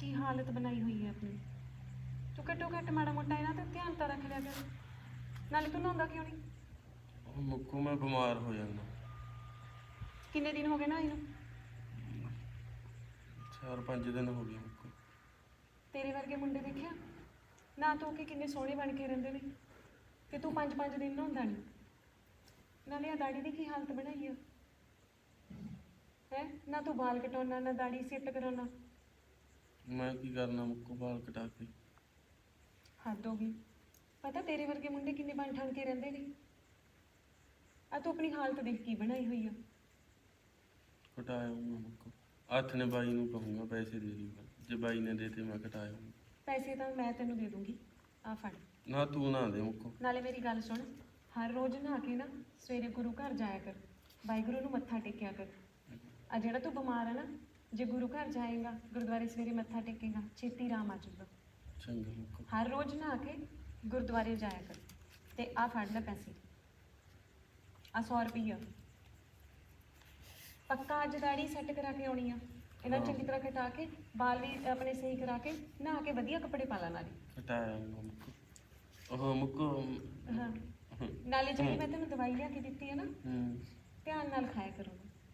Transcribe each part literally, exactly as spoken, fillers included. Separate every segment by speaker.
Speaker 1: ਕੀ ਹਾਲਤ ਬਣਾਈ ਹੋਈ ਹੈ ਆਪਣੀ। ਤੂੰ ਘੱਟੋ ਘੱਟ ਮਾੜਾ ਮੋਟਾ ਇਹਨਾਂ ਤੇ ਧਿਆਨ ਤਾਂ ਰੱਖ ਲਿਆ ਕਰ। ਨਾਲੇ ਤੂੰ ਨਹਾਉਂਦਾ ਕਿਉਂ ਨਹੀਂ?
Speaker 2: ਮੁੱਕੂ ਮੈਂ ਬਿਮਾਰ ਹੋ ਜਾਂਦਾ।
Speaker 1: ਕਿੰਨੇ ਦਿਨ ਹੋ ਗਏ ਨਾ ਇਹਨੂੰ?
Speaker 2: ਚਾਰ ਪੰਜ ਦਿਨ ਹੋ ਗਏ ਮੁੱਕੂ।
Speaker 1: ਤੇਰੇ ਵਰਗੇ ਮੁੰਡੇ ਦੇਖਿਆ ਨਾ ਤੂੰ ਕਿ ਕਿੰਨੇ ਸੋਹਣੇ ਬਣ ਕੇ ਰਹਿੰਦੇ ਨੇ ਤੇ ਤੂੰ ਪੰਜ ਪੰਜ ਦਿਨ ਨਹਾਉਂਦਾ ਨਹੀਂ। ਨਾਲੇ ਆ ਦਾੜੀ ਦੀ ਕੀ ਹਾਲਤ ਬਣਾਈ ਆ ਹੈ। ਨਾ ਤੂੰ ਵਾਲ ਕਟਾਉਣਾ ਨਾ ਦਾੜੀ ਸੈੱਟ ਕਰਾਉਣਾ।
Speaker 2: ਮੈਂ ਕੀ ਕਰਨਾ ਮੁੱਕੂ ਵਾਲ ਕਟਾ ਕੇ।
Speaker 1: ਹੱਦ ਹੋ ਗਈ। ਪਤਾ ਤੇਰੇ ਵਰਗੇ ਮੁੰਡੇ ਕਿੰਨੇ ਬਣ ਠਣ ਕੇ ਰਹਿੰਦੇ ਨੇ। ਆ ਤੂੰ ਆਪਣੀ ਹਾਲਤ ਦੇਖ ਕੀ ਬਣਾਈ ਹੋਈ ਆ।
Speaker 2: ਕਟਾਇਆ ਮੈਂ ਮੁੱਕੂ। ਹੱਥ ਨੇ ਬਾਈ ਨੂੰ ਕਹੂੰਗਾ ਪੈਸੇ ਦੇ ਦੂੰਗਾ। ਜੇ ਬਾਈ ਨੇ ਦੇਤੇ ਮੈਂ ਕਟਾਇਆ।
Speaker 1: ਪੈਸੇ ਤਾਂ ਮੈਂ ਤੈਨੂੰ ਦੇ ਦੂੰਗੀ। ਆ ਫੜ।
Speaker 2: ਨਾ ਤੂੰ ਨਾ ਦੇ ਮੁੱਕੂ।
Speaker 1: ਨਾਲੇ ਮੇਰੀ ਗੱਲ ਸੁਣ, ਹਰ ਰੋਜ਼ ਨਹਾ ਕੇ ਨਾ ਸਵੇਰੇ ਗੁਰੂ ਘਰ ਜਾਇਆ ਕਰ। ਵਾਹਿਗੁਰੂ ਨੂੰ ਮੱਥਾ ਟੇਕਿਆ ਕਰ। ਆ ਜਿਹੜਾ ਤੂੰ ਬਿਮਾਰ ਹੈ ਨਾ, ਜੇ ਗੁਰੂ ਘਰ ਜਾਏਗਾ ਗੁਰਦੁਆਰੇ ਸਵੇਰੇ ਮੱਥਾ ਟੇਕੇਗਾ ਛੇਤੀ ਆਰਾਮ ਆ ਜਾਊਗਾ।
Speaker 2: ਚੰਗਾ ਮੁੱਕੂ।
Speaker 1: ਹਰ ਰੋਜ਼ ਨਹਾ ਕੇ ਗੁਰਦੁਆਰੇ ਜਾਇਆ ਕਰ। ਤੇ ਆ ਫੜ ਲੈ ਪੈਸੇ, ਆ ਸੌ ਰੁਪਈਆ। ਪੱਕਾ ਅੱਜ ਦਾੜੀ ਸੈੱਟ ਕਰਾ ਕੇ ਆਉਣੀ ਆ। ਇਹਨਾਂ ਚੰਗੀ ਤਰ੍ਹਾਂ ਕਟਾ ਕੇ ਵਾਲ ਵੀ ਆਪਣੇ ਸਹੀ ਕਰਾ ਕੇ ਨਹਾ ਕੇ ਵਧੀਆ ਕੱਪੜੇ ਪਾ ਲਾ। ਨਾਲੇ
Speaker 2: ਕਟਾਇਆ ਮੁੱਕੂ। ਉਹ ਮੁੱਕੂ।
Speaker 1: ਹਾਂ, ਨਾਲੇ ਜਿਹੜੀ ਮੈਂ ਤੈਨੂੰ ਦਵਾਈ ਲਿਆ ਕੇ ਦਿੱਤੀ ਹੈ ਨਾ,
Speaker 2: ਹੂੰ
Speaker 1: ਧਿਆਨ ਨਾਲ ਖਾਇਆ ਕਰੋ।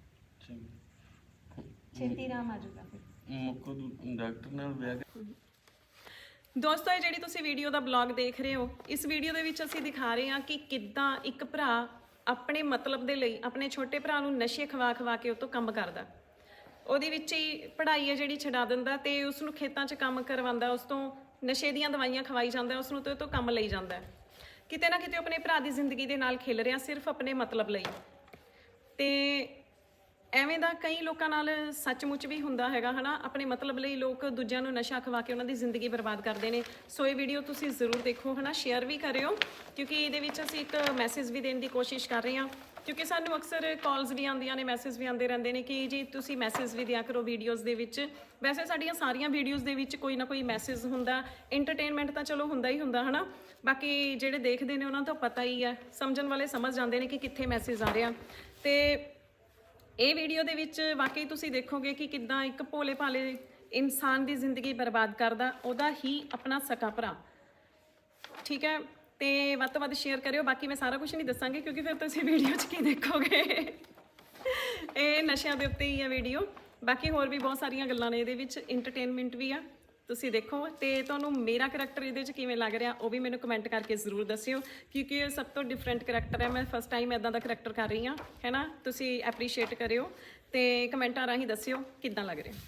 Speaker 2: ਚੰਗਾ।
Speaker 1: ਛੇਤੀ ਆਰਾਮ ਆ ਜਾਊਗਾ ਫਿਰ।
Speaker 2: ਮੁੱਕੂ ਤੂੰ ਡਾਕਟਰ ਨਾਲ ਵਿਆਹ ਕਰ।
Speaker 1: ਦੋਸਤੋ, ਇਹ ਜਿਹੜੀ ਤੁਸੀਂ ਵੀਡੀਓ ਦਾ ਬਲੌਗ ਦੇਖ ਰਹੇ ਹੋ, ਇਸ ਵੀਡੀਓ ਦੇ ਵਿੱਚ ਅਸੀਂ ਦਿਖਾ ਰਹੇ ਹਾਂ ਕਿ ਕਿੱਦਾਂ ਇੱਕ ਭਰਾ ਆਪਣੇ ਮਤਲਬ ਦੇ ਲਈ ਆਪਣੇ ਛੋਟੇ ਭਰਾ ਨੂੰ ਨਸ਼ੇ ਖਵਾ ਖਵਾ ਕੇ ਉਹ ਤੋਂ ਕੰਮ ਕਰਦਾ। ਉਹਦੇ ਵਿੱਚ ਹੀ ਪੜ੍ਹਾਈ ਹੈ ਜਿਹੜੀ ਛਡਾ ਦਿੰਦਾ ਤੇ ਉਸ ਨੂੰ ਖੇਤਾਂ 'ਚ ਕੰਮ ਕਰਵਾਉਂਦਾ। ਉਸ ਤੋਂ ਨਸ਼ੇ ਦੀਆਂ ਦਵਾਈਆਂ ਖਵਾਈ ਜਾਂਦਾ, ਉਸ ਨੂੰ ਤੇ ਉਹ ਤੋਂ ਕੰਮ ਲਈ ਜਾਂਦਾ। ਕਿਤੇ ਨਾ ਕਿਤੇ ਆਪਣੇ ਭਰਾ ਦੀ ਜ਼ਿੰਦਗੀ ਦੇ ਨਾਲ ਖੇਲ ਰਿਹਾ ਸਿਰਫ ਆਪਣੇ ਮਤਲਬ ਲਈ। ਤੇ ਐਵੇਂ ਦਾ ਕਈ ਲੋਕਾਂ ਨਾਲ ਸੱਚਮੁੱਚ ਵੀ ਹੁੰਦਾ ਹੈਗਾ ਹਨਾ। ਆਪਣੇ ਮਤਲਬ ਲਈ ਲੋਕ ਦੂਜਿਆਂ ਨੂੰ ਨਸ਼ਾ ਖਵਾ ਕੇ ਉਹਨਾਂ ਦੀ ਜ਼ਿੰਦਗੀ ਬਰਬਾਦ ਕਰਦੇ ਨੇ। ਸੋ ਇਹ ਵੀਡੀਓ ਤੁਸੀਂ ਜ਼ਰੂਰ ਦੇਖੋ ਹਨਾ, ਸ਼ੇਅਰ ਵੀ ਕਰਿਓ, ਕਿਉਂਕਿ ਇਹਦੇ ਵਿੱਚ ਅਸੀਂ ਇੱਕ ਮੈਸੇਜ ਵੀ ਦੇਣ ਦੀ ਕੋਸ਼ਿਸ਼ ਕਰ ਰਹੇ ਹਾਂ। ਕਿਉਂਕਿ ਸਾਨੂੰ ਅਕਸਰ ਕਾਲਸ ਵੀ ਆਉਂਦੀਆਂ ਨੇ, ਮੈਸੇਜ ਵੀ ਆਉਂਦੇ ਰਹਿੰਦੇ ਨੇ ਕਿ ਜੀ ਤੁਸੀਂ ਮੈਸੇਜ ਵੀ ਦਿਆ ਕਰੋ ਵੀਡੀਓਜ਼ ਦੇ ਵਿੱਚ। ਵੈਸੇ ਸਾਡੀਆਂ ਸਾਰੀਆਂ ਵੀਡੀਓਜ਼ ਦੇ ਵਿੱਚ ਕੋਈ ਨਾ ਕੋਈ ਮੈਸੇਜ ਹੁੰਦਾ। ਐਂਟਰਟੇਨਮੈਂਟ ਤਾਂ ਚਲੋ ਹੁੰਦਾ ਹੀ ਹੁੰਦਾ ਹਨਾ। ਬਾਕੀ ਜਿਹੜੇ ਦੇਖਦੇ ਨੇ ਉਹਨਾਂ ਤੋਂ ਪਤਾ ਹੀ ਹੈ, ਸਮਝਣ ਵਾਲੇ ਸਮਝ ਜਾਂਦੇ ਨੇ ਕਿ ਕਿੱਥੇ ਮੈਸੇਜ ਆ ਰਿਹਾ। ਤੇ ਇਹ ਵੀਡੀਓ ਦੇ ਵਿੱਚ ਵਾਕਈ ਤੁਸੀਂ ਦੇਖੋਗੇ ਕਿ ਕਿੱਦਾਂ ਇੱਕ ਭੋਲੇ ਭਾਲੇ ਇਨਸਾਨ ਦੀ ਜ਼ਿੰਦਗੀ ਬਰਬਾਦ ਕਰਦਾ ਉਹਦਾ ਹੀ ਆਪਣਾ ਸਕਾ ਭਰਾ। ਠੀਕ ਹੈ, ਤੇ ਵੱਧ ਤੋਂ ਵੱਧ ਸ਼ੇਅਰ ਕਰਿਓ। ਬਾਕੀ ਮੈਂ ਸਾਰਾ ਕੁਝ ਨਹੀਂ ਦੱਸਾਂਗੀ ਕਿਉਂਕਿ ਫਿਰ ਤੁਸੀਂ ਵੀਡੀਓ 'ਚ ਕੀ ਦੇਖੋਗੇ। ਇਹ ਨਸ਼ਿਆਂ ਦੇ ਉੱਤੇ ਹੀ ਹੈ ਵੀਡੀਓ। ਬਾਕੀ ਹੋਰ ਵੀ ਬਹੁਤ ਸਾਰੀਆਂ ਗੱਲਾਂ ਨੇ ਇਹਦੇ ਵਿੱਚ, ਇੰਟਰਟੇਨਮੈਂਟ ਵੀ ਆ। ਤੁਸੀਂ ਦੇਖੋ ਤੇ ਤੁਹਾਨੂੰ ਮੇਰਾ ਕਰੈਕਟਰ ਇਹਦੇ 'ਚ ਕਿਵੇਂ ਲੱਗ ਰਿਹਾ ਉਹ ਵੀ ਮੈਨੂੰ ਕਮੈਂਟ ਕਰਕੇ ਜ਼ਰੂਰ ਦੱਸਿਓ, ਕਿਉਂਕਿ ਇਹ ਸਭ ਤੋਂ ਡਿਫਰੈਂਟ ਕਰੈਕਟਰ ਹੈ। ਮੈਂ ਫਸਟ ਟਾਈਮ ਇੱਦਾਂ ਦਾ ਕਰੈਕਟਰ ਕਰ ਰਹੀ ਹਾਂ ਹੈ ਨਾ। ਤੁਸੀਂ ਐਪਰੀਸ਼ੀਏਟ ਕਰਿਓ ਤੇ ਕਮੈਂਟਾਂ ਰਾਹੀਂ ਦੱਸਿਓ ਕਿੱਦਾਂ ਲੱਗ ਰਿਹਾ।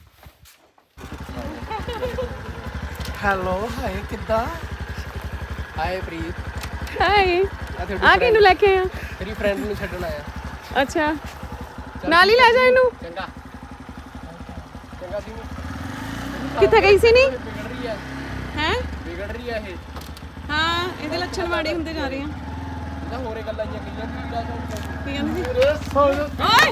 Speaker 3: ਹੈਲੋ, ਹਾਏ ਕਿੱਦਾਂ? ਹਾਏ ਪ੍ਰੀਤ।
Speaker 1: ਹਾਏ, ਆ ਕਿਹਨੂੰ ਲੈ ਕੇ ਆਇਆ?
Speaker 3: ਤੇਰੀ ਫਰੈਂਡ ਨੂੰ ਛੱਡਣ ਆਇਆ।
Speaker 1: ਅੱਛਾ, ਨਾਲ ਹੀ ਲੈ ਜਾ ਇਹਨੂੰ।
Speaker 3: ਚੰਗਾ ਚੰਗਾ ਸੀ।
Speaker 1: ਕਿੱਥੇ ਗਈ ਸੀ? ਨਹੀਂ
Speaker 3: ਵਿਗੜ ਰਹੀ ਹੈ
Speaker 1: ਹੈ,
Speaker 3: ਵਿਗੜ ਰਹੀ ਹੈ ਇਹ।
Speaker 1: ਹਾਂ, ਇਹਦੇ ਲੱਛਣ ਮਾੜੇ ਹੁੰਦੇ ਜਾ ਰਹੇ ਆ।
Speaker 3: ਇਹਦਾ ਹੋਰੇ ਗੱਲਾਂ ਜੀਆਂ ਕਹੀਆਂ ਵੀਰਾ ਤੋਂ
Speaker 1: ਕੀ ਕਹਿੰਦੀ ਸੀ?
Speaker 3: ਰੇ ਸੋਲ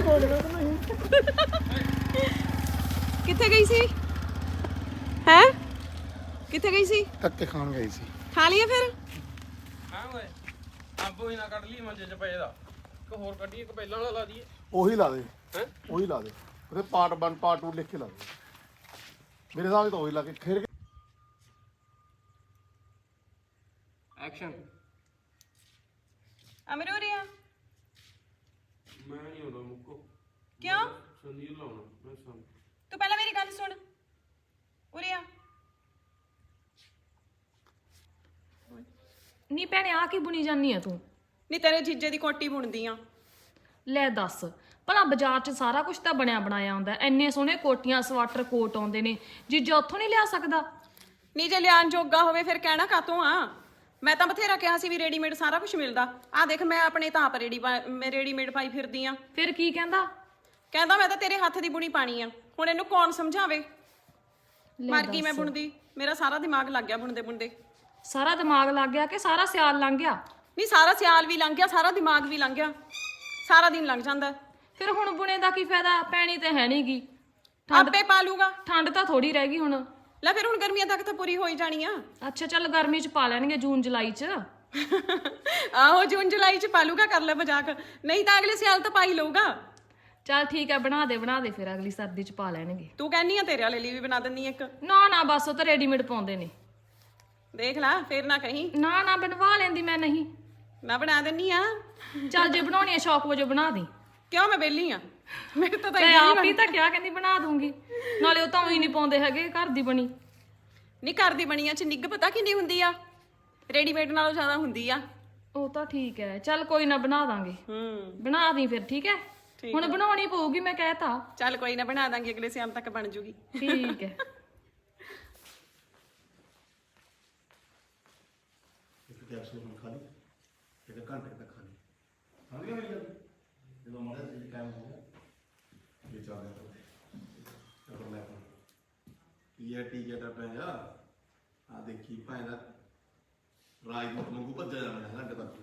Speaker 1: ਕਿੱਥੇ ਗਈ ਸੀ? ਹੈ ਕਿੱਥੇ ਗਈ ਸੀ?
Speaker 4: ਧੱਕੇ ਖਾਣ ਗਈ ਸੀ।
Speaker 1: ਖਾ ਲਈਏ ਫਿਰ।
Speaker 2: ਹਾਂ ਓਏ ਆਬੋ ਹੀ ਨਾ ਕੱਢ ਲਈ ਮੰਜੇ 'ਚ ਪਏ ਦਾ। ਇੱਕ ਹੋਰ ਕੱਢੀ, ਇੱਕ ਪਹਿਲਾਂ ਵਾਲਾ ਲਾ ਦਈਏ।
Speaker 4: ਉਹੀ ਲਾ ਦੇ।
Speaker 2: ਹੈਂ?
Speaker 4: ਉਹੀ ਲਾ ਦੇ। ਉਹਦੇ ਪਾਰਟ ਵਨ ਪਾਰਟ ਟੂ ਲਿਖ ਕੇ ਲਾ ਦੇ। ਮੇਰੇ ਹਿਸਾਬ ਨਾਲ ਤਾਂ ਉਹੀ ਲਾ ਕੇ ਖੇਰ
Speaker 3: ਐਕਸ਼ਨ।
Speaker 1: ਅਮਰੂਰੀਆ
Speaker 2: ਮੈਂ ਨਹੀਂ ਆਉਂਦਾ ਮੁੱਕੂ।
Speaker 1: ਕਿਉਂ?
Speaker 2: ਸੰਦੀਪ ਲਾਉਣਾ ਮੈਂ ਸੰਦ।
Speaker 1: ਤੂੰ ਪਹਿਲਾਂ ਮੇਰੀ ਗੱਲ ਸੁਣ। ਉਰੀਆ
Speaker 5: ਨੀ ਭੈਣੇ ਆ ਕੀ ਬੁਣੀ ਜਾਨੀ ਆ ਤੂੰ?
Speaker 1: ਨਹੀਂ ਤੇਰੇ ਜੀਜੇ ਦੀ ਕੋਟੀ ਬੁਣਦੀ ਆ।
Speaker 5: ਲੈ ਦੱਸ, ਭਲਾ ਬਾਜ਼ਾਰ 'ਚ ਸਾਰਾ ਕੁਝ ਤਾਂ ਬਣਿਆ ਬਣਾਇਆ ਹੁੰਦਾ। ਐਨੇ ਸੋਹਣੇ ਕੋਟੀਆਂ ਸਵਾਟਰ ਕੋਟ ਆਉਂਦੇ ਨੇ, ਜੀਜਾ ਉੱਥੋਂ ਨਹੀਂ ਲਿਆ ਸਕਦਾ?
Speaker 1: ਨਹੀਂ ਜੇ ਲਿਆਣ ਜੋਗਾ ਹੋਵੇ ਫਿਰ ਕਹਿਣਾ ਕਾਤੋਂ ਆ। ਮੈਂ ਤਾਂ ਬਥੇਰਾ ਕਿਹਾ ਸੀ ਵੀ ਰੈਡੀਮੇਡ ਸਾਰਾ ਕੁਝ ਮਿਲਦਾ। ਆ ਦੇਖ ਮੈਂ ਆਪਣੇ ਤਾਂ ਆਪ ਰੈਡੀ ਮੈਂ ਰੈਡੀਮੇਡ ਪਾਈ ਫਿਰਦੀ ਆ।
Speaker 5: ਫਿਰ ਕੀ ਕਹਿੰਦਾ?
Speaker 1: ਕਹਿੰਦਾ ਮੈਂ ਤਾਂ ਤੇਰੇ ਹੱਥ ਦੀ ਬੁਣੀ ਪਾਣੀ ਆ। ਹੁਣ ਇਹਨੂੰ ਕੌਣ ਸਮਝਾਵੇ? ਮਰ ਗਈ ਮੈਂ ਬੁਣਦੀ। ਮੇਰਾ ਸਾਰਾ ਦਿਮਾਗ ਲੱਗ ਗਿਆ ਬੁਣਦੇ ਬੁਣਦੇ।
Speaker 5: ਸਾਰਾ ਦਿਮਾਗ ਲੱਗ ਗਿਆ ਕਿ ਸਾਰਾ ਸਿਆਲ ਲੰਘ ਗਿਆ?
Speaker 1: ਨਹੀਂ ਸਾਰਾ ਸਿਆਲ ਵੀ ਲੰਘ ਗਿਆ, ਸਾਰਾ ਦਿਮਾਗ ਵੀ ਲੰਘ ਗਿਆ, ਸਾਰਾ ਦਿਨ ਲੰਘ ਜਾਂਦਾ।
Speaker 5: ਫਿਰ ਹੁਣ ਬੁਣੇ ਦਾ ਕੀ ਫਾਇਦਾ? ਪੈਣੀ ਤੇ ਹੈ ਨਹੀਂਗੀ।
Speaker 1: ਆਪੇ ਪਾ ਲੂਗਾ।
Speaker 5: ਠੰਡ ਤਾਂ ਥੋੜੀ ਰਹਿ ਗਈ ਹੁਣ।
Speaker 1: ਲੈ ਫਿਰ ਹੁਣ ਗਰਮੀਆਂ ਤੱਕ ਤਾਂ ਪੂਰੀ ਹੋਈ ਜਾਣੀ ਆ।
Speaker 5: ਅੱਛਾ ਚੱਲ ਗਰਮੀ 'ਚ ਪਾ ਲੈਣਗੇ ਜੂਨ ਜੁਲਾਈ 'ਚ।
Speaker 1: ਆਹੋ ਜੂਨ ਜੁਲਾਈ 'ਚ ਪਾ ਲੂਗਾ, ਕਰ ਲੈ ਮਜ਼ਾਕ। ਨਹੀਂ ਤਾਂ ਅਗਲੇ ਸਿਆਲ ਤਾਂ ਪਾ ਹੀ ਲਊਗਾ।
Speaker 5: ਚੱਲ ਠੀਕ ਹੈ ਬਣਾ ਦੇ ਬਣਾ ਦੇ ਫਿਰ ਅਗਲੀ ਸਰਦੀ ਚ ਪਾ ਲੈਣਗੇ।
Speaker 1: ਤੂੰ ਕਹਿੰਨੀ ਆ ਤੇਰੇ ਵਾਲੇ ਲਈ ਵੀ ਬਣਾ ਦਿੰਨੀ ਇੱਕ।
Speaker 5: ਨਾ ਨਾ ਬਸ ਉਹ ਤਾਂ ਰੈਡੀਮੇਡ ਪਾਉਂਦੇ ਨੇ।
Speaker 1: ਦੇਖ ਲੈ ਫੇਰ ਨਾ ਕਹੀਂ
Speaker 5: ਨਾ ਨਾ ਬਣਵਾ ਲੈਂਦੀ ਮੈਂ ਨਹੀਂ।
Speaker 1: ਨਾ ਬਣਾ ਦਿੰਨੀ ਆ।
Speaker 5: ਚੱਲ ਜੇ ਬਣਾਉਣੀ ਆ ਸ਼ੌਕ ਵਜੋਂ ਬਣਾ ਦੀ।
Speaker 1: ਕਿਉਂ ਮੈਂ ਵਿਹਲੀ ਆ ਮੇਰੇ ਤਾਂ ਤਾਂ
Speaker 5: ਮੈਂ ਆਪ ਹੀ ਤਾਂ ਕਿਹਾ ਕਹਿੰਦੀ ਬਣਾ ਦੂੰਗੀ। ਨਾਲੇ ਉਹ ਤਾਂ ਉਹੀ ਨਹੀਂ ਪਾਉਂਦੇ ਹੈਗੇ ਘਰ ਦੀ ਬਣੀ।
Speaker 1: ਨਹੀਂ ਘਰ ਦੀ ਬਣੀਆਂ ਚ ਨਿੱਘ ਪਤਾ ਕਿੰਨੀ ਹੁੰਦੀ ਆ, ਰੈਡੀਮੇਡ ਨਾਲੋਂ ਜ਼ਿਆਦਾ ਹੁੰਦੀ ਆ।
Speaker 5: ਉਹ ਤਾਂ ਠੀਕ ਹੈ ਚੱਲ ਕੋਈ ਨਾ ਬਣਾ ਦਾਂਗੇ।
Speaker 1: ਹੂੰ
Speaker 5: ਬਣਾ ਦੀ ਫਿਰ ਠੀਕ ਹੈ। ਹੁਣ ਬਣਾਉਣੀ ਪਊਗੀ ਮੈਂ ਕਹਿਤਾ।
Speaker 1: ਚੱਲ ਕੋਈ ਨਾ ਬਣਾ ਦਾਂਗੇ ਅਗਲੇ ਸ਼ਾਮ ਤੱਕ ਬਣ ਜੂਗੀ।
Speaker 5: ਠੀਕ ਹੈ।
Speaker 4: ਇੱਕ ਕੈਪਸੂਲ ਖਾ ਲਈ, ਇੱਕ ਘੰਟੇ ਤੱਕ ਖਾ ਲਈ। ਹਾਂ ਜੀ ਮੇਰੀ ਗੱਲ ਜਦੋਂ ਮਾੜਾ ਜਿਹਾ ਟਾਈਮ ਹੋ ਗਿਆ ਇਹ ਚੱਲ ਗਿਆ ਤਾਂ ਲੈ ਪੀ ਆ ਟੀ ਜਿਹੜਾ ਪਿਆ ਆ ਦੇਖੀ ਭਾਵੇਂ ਦਾ ਰਾਜ ਨੂੰ ਮੰਗੂ ਭੱਜਿਆ ਜਾਣਾ ਹੈ ਘੰਟੇ ਤੱਕ।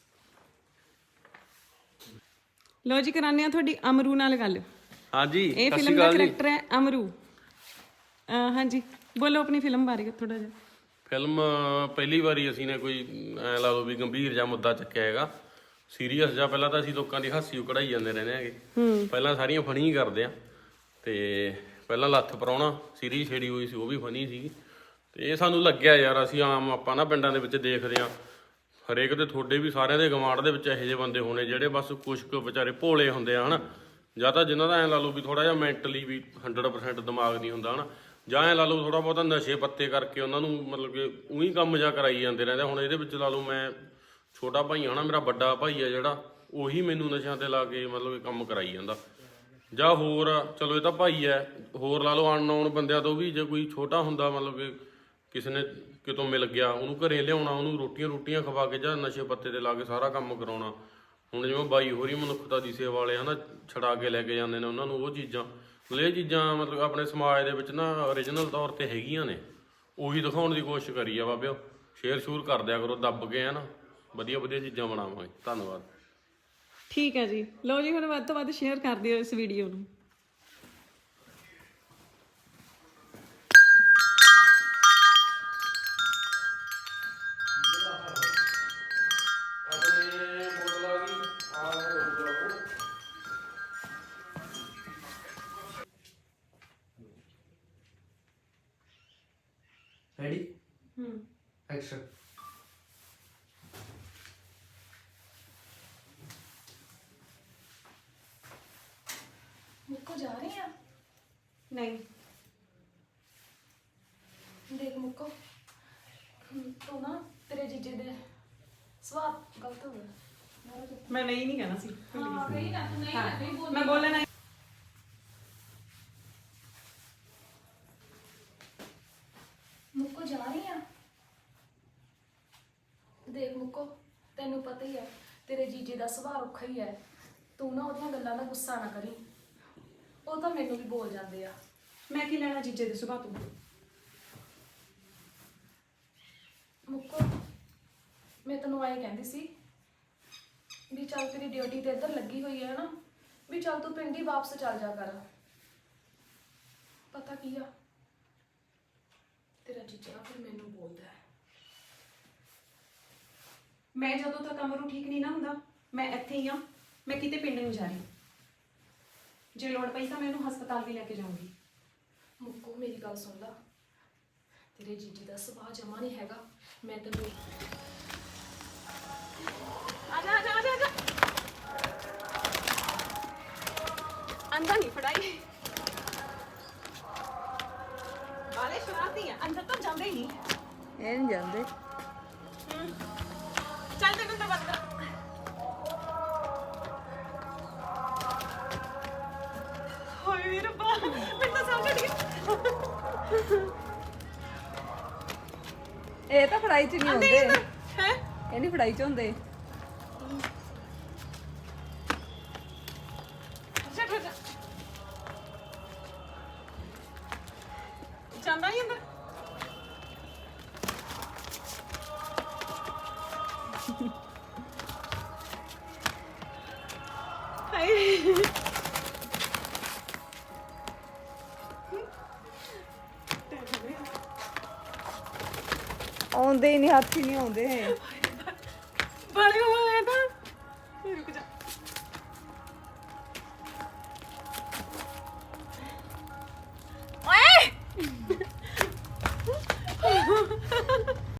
Speaker 1: ਲੋ ਜੀ ਕਰਾਨੇ ਆ ਤੁਹਾਡੀ ਅਮਰੂ ਨਾਲ ਗੱਲ।
Speaker 2: ਹਾਂਜੀ
Speaker 1: ਇਹ ਫਿਲਮ ਦਾ ਕਰੈਕਟਰ ਹੈ ਅਮਰੂ। ਅਹ ਹਾਂਜੀ ਬੋਲੋ ਆਪਣੀ ਫਿਲਮ ਬਾਰੇ ਥੋੜਾ ਜਿਹਾ।
Speaker 2: ਫਿਲਮ ਪਹਿਲੀ ਵਾਰੀ ਅਸੀਂ ਨੇ ਕੋਈ ਐ ਲਾ ਲਓ ਵੀ ਗੰਭੀਰ ਜਿਹਾ ਮੁੱਦਾ ਚੱਕਿਆ ਹੈਗਾ, ਸੀਰੀਅਸ ਜਿਹਾ। ਪਹਿਲਾਂ ਤਾਂ ਅਸੀਂ ਲੋਕਾਂ ਦੀ ਹਾਸੀ ਕਢਾਈ ਜਾਂਦੇ ਰਹਿੰਦੇ ਹੈਗੇ, ਪਹਿਲਾਂ ਸਾਰੀਆਂ ਫਨੀ ਕਰਦੇ ਆ। ਤੇ ਪਹਿਲਾਂ ਲੱਥ ਪਰਾਉਣਾ ਸੀਰੀਜ਼ ਛੇੜੀ ਹੋਈ ਸੀ, ਉਹ ਵੀ ਫਨੀ ਸੀਗੀ। ਤੇ ਇਹ ਸਾਨੂੰ ਲੱਗਿਆ ਯਾਰ ਅਸੀਂ ਆਮ ਆਪਾਂ ਨਾ ਪਿੰਡਾਂ ਦੇ ਵਿੱਚ ਦੇਖਦੇ ਆ ਹਰੇਕ ਦੇ, ਤੁਹਾਡੇ ਵੀ ਸਾਰਿਆਂ ਦੇ ਗਵਾਂਢ ਦੇ ਵਿੱਚ ਇਹੋ ਜਿਹੇ ਬੰਦੇ ਹੋਣੇ ਜਿਹੜੇ ਬਸ ਕੁਛ ਕੁ ਵਿਚਾਰੇ ਭੋਲੇ ਹੁੰਦੇ ਆ ਹਨਾ, ਜਾਂ ਤਾਂ ਜਿਨ੍ਹਾਂ ਦਾ ਐਂ ਲਾ ਲਓ ਵੀ ਥੋੜਾ ਜਿਹਾ ਮੈਂਟਲੀ ਵੀ ਹੰਡਰਡ ਪਰਸੈਂਟ ਦਿਮਾਗ ਨਹੀਂ ਹੁੰਦਾ ਹਨਾ, ਜਾਂ ਐਂ ਲਾ ਲਓ ਥੋੜਾ ਬਹੁਤਾ ਨਸ਼ੇ ਪੱਤੇ ਕਰਕੇ ਉਹਨਾਂ ਨੂੰ ਮਤਲਬ ਕਿ ਉਹੀ ਕੰਮ ਜਾ ਕਰਾਈ ਜਾਂਦੇ ਰਹਿੰਦੇ। ਹੁਣ ਇਹਦੇ ਵਿੱਚ ਲਾ ਲਓ ਮੈਂ ਛੋਟਾ ਭਾਈ ਆ ਨਾ, ਮੇਰਾ ਵੱਡਾ ਭਾਈ ਆ ਜਿਹੜਾ, ਉਹੀ ਮੈਨੂੰ ਨਸ਼ਿਆਂ ਤੇ ਲਾ ਕੇ ਮਤਲਬ ਕਿ ਕੰਮ ਕਰਾਈ ਜਾਂਦਾ। ਜਾਂ ਹੋਰ ਚਲੋ ਇਹ ਤਾਂ ਭਾਈ ਹੈ, ਹੋਰ ਲਾ ਲਓ ਅਨਨੋਨ ਬੰਦਿਆਂ ਤੋਂ ਵੀ ਜੇ ਕੋਈ ਛੋਟਾ ਹੁੰਦਾ ਮਤਲਬ ਕਿ ਕਿਸੇ ਨੇ ਕਿਤੋਂ ਮਿਲ ਗਿਆ ਉਹਨੂੰ ਘਰੇ ਲਿਆਉਣਾ, ਉਹਨੂੰ ਰੋਟੀਆਂ ਰੋਟੀਆਂ ਖਵਾ ਕੇ ਜਾਂ ਨਸ਼ੇ ਪੱਤੇ ਤੇ ਲਾ ਕੇ ਸਾਰਾ ਕੰਮ ਕਰਾਉਣਾ। ਹੁਣ ਜਿਵੇਂ ਬਾਈ ਹੋਰੀ ਮਨੁੱਖਤਾ ਦੀ ਸੇਵਾ ਵਾਲੇ ਹਨਾ ਛੜਾ ਕੇ ਲੈ ਕੇ ਜਾਂਦੇ ਨੇ ਉਹਨਾਂ ਨੂੰ ਉਹ ਚੀਜ਼ਾਂ, ਮਤਲਬ ਇਹ ਚੀਜ਼ਾਂ ਮਤਲਬ ਆਪਣੇ ਸਮਾਜ ਦੇ ਵਿੱਚ ਨਾ ਓਰੀਜਨਲ ਤੌਰ ਤੇ ਹੈਗੀਆਂ ਨੇ, ਉਹੀ ਦਿਖਾਉਣ ਦੀ ਕੋਸ਼ਿਸ਼ ਕਰੀ ਆ ਬਾਬਿਓ। ਸ਼ੇਅਰ ਸ਼ੂਰ ਕਰ ਦਿਆ ਕਰੋ, ਦੱਬ ਕੇ ਹੈ ਨਾ ਵਧੀਆ ਵਧੀਆ ਚੀਜ਼ਾਂ ਬਣਾਵਾਂਗੇ। ਧੰਨਵਾਦ।
Speaker 1: ਠੀਕ ਹੈ ਜੀ, ਲਓ ਜੀ ਹੁਣ ਵੱਧ ਤੋਂ ਵੱਧ ਸ਼ੇਅਰ ਕਰ ਦਿਓ ਇਸ ਵੀਡੀਓ ਨੂੰ।
Speaker 3: Ready action.
Speaker 5: ਮੁੱਕੋ ਜਾ ਰਹੀ ਆ?
Speaker 1: ਨਹੀਂ
Speaker 5: ਦੇਖ ਮੁੱਕੋ ਤੂੰ ਨਾ ਤੇਰੇ ਜੀਜੇ ਦੇ ਸਵਾਦ ਗਲਤ ਹੋ ਗਿਆ।
Speaker 1: ਮੈਂ ਨਹੀਂ ਨਹੀਂ ਕਹਿਣਾ ਸੀ।
Speaker 5: ਹਾਂ ਕਹੀ ਨਾ ਤੂੰ ਨਹੀਂ ਨਾ ਕਹੀ ਬੋਲ।
Speaker 1: ਮੈਂ ਬੋਲਣਾ
Speaker 5: ਮੁੱਕੋ ਜਾ ਰਹੀ ਆ? ਦੇਖ ਮੁੱਕੋ ਤੈਨੂੰ ਪਤਾ ਹੀ ਹੈ ਤੇਰੇ ਜੀਜੇ ਦਾ ਸੁਭਾਅ ਰੁੱਖਾ ਹੀ ਹੈ। ਤੂੰ ਨਾ ਉਹਦੀਆਂ ਗੱਲਾਂ ਦਾ ਗੁੱਸਾ ਨਾ ਕਰੀ, ਉਹ ਤਾਂ ਮੈਨੂੰ ਵੀ ਬੋਲ ਜਾਂਦੇ ਆ।
Speaker 1: ਮੈਂ ਕੀ ਲੈਣਾ ਜੀਜੇ ਦੇ ਸੁਭਾਅ ਤੋਂ।
Speaker 5: ਮੁੱਕੋ ਮੈਂ ਤੈਨੂੰ ਆਏ ਕਹਿੰਦੀ ਸੀ ਵੀ ਚੱਲ ਤੇਰੀ ਡਿਊਟੀ ਤੇ ਇੱਧਰ ਲੱਗੀ ਹੋਈ ਹੈ ਨਾ, ਵੀ ਚੱਲ ਤੂੰ ਪਿੰਡ ਹੀ ਵਾਪਸ ਚੱਲ ਜਾ ਕਰ। ਪਤਾ ਕੀ ਆ ਤੇਰਾ ਜੀਜਾ ਫਿਰ ਮੈਨੂੰ ਬੋਲਦਾ ਹੈ।
Speaker 1: ਮੈਂ ਜਦੋਂ ਤੱਕ ਅਮਰੂ ਠੀਕ ਨਹੀਂ ਨਾ ਹੁੰਦਾ ਮੈਂ ਇੱਥੇ ਹੀ ਆ, ਮੈਂ ਕਿਤੇ ਪਿੰਡ ਨਹੀਂ ਜਾ ਰਹੀ। ਜੇ ਲੋੜ ਪਈ ਤਾਂ ਮੈਂ ਇਹਨੂੰ ਹਸਪਤਾਲ ਵੀ ਲੈ ਕੇ ਜਾਊਂਗੀ।
Speaker 5: ਮੁੱਕੋ ਮੇਰੀ ਗੱਲ ਸੁਣ ਲਾ, ਤੇਰੇ ਜੀਜੇ ਦਾ ਸੁਭਾਅ ਜਮਾ ਨਹੀਂ ਹੈਗਾ। ਮੈਂ ਤੈਨੂੰ
Speaker 1: ਆ ਜਾ ਆ ਜਾ ਆ ਜਾ ਆ ਜਾ ਅੰਦਰ ਨਹੀਂ ਫੜਾਈ ਵਾਲੇ ਸ਼ਰਾਰਤੀ ਆ, ਅੰਦਰ ਤਾਂ ਜਾਂਦੇ ਹੀ
Speaker 6: ਇਹ ਨਹੀਂ ਜਾਂਦੇ।
Speaker 1: ਚੱਲ ਤੈਨੂੰ ਤਾਂ ਬੰਦ ਹੋਏ ਵੀਰ ਬਾ ਮੈਂ ਤਾਂ ਸਮਝ ਗਈ।
Speaker 6: ਇਹ ਤਾਂ ਫੜਾਈ ਚ ਨਹੀਂ ਹੁੰਦੇ,
Speaker 1: ਹੈ
Speaker 6: ਇਹ ਨਹੀਂ ਫੜਾਈ ਚ ਹੁੰਦੇ।
Speaker 1: ਜਾ ਜਾ ਜਾਂਦਾ ਹੀ ਅੰਦਰ। ਹਾਏ
Speaker 6: ਆਉਂਦੇ ਹੀ ਨਹੀਂ, ਹੱਥ ਹੀ ਨਹੀਂ ਆਉਂਦੇ।
Speaker 1: ਬਾਲੇ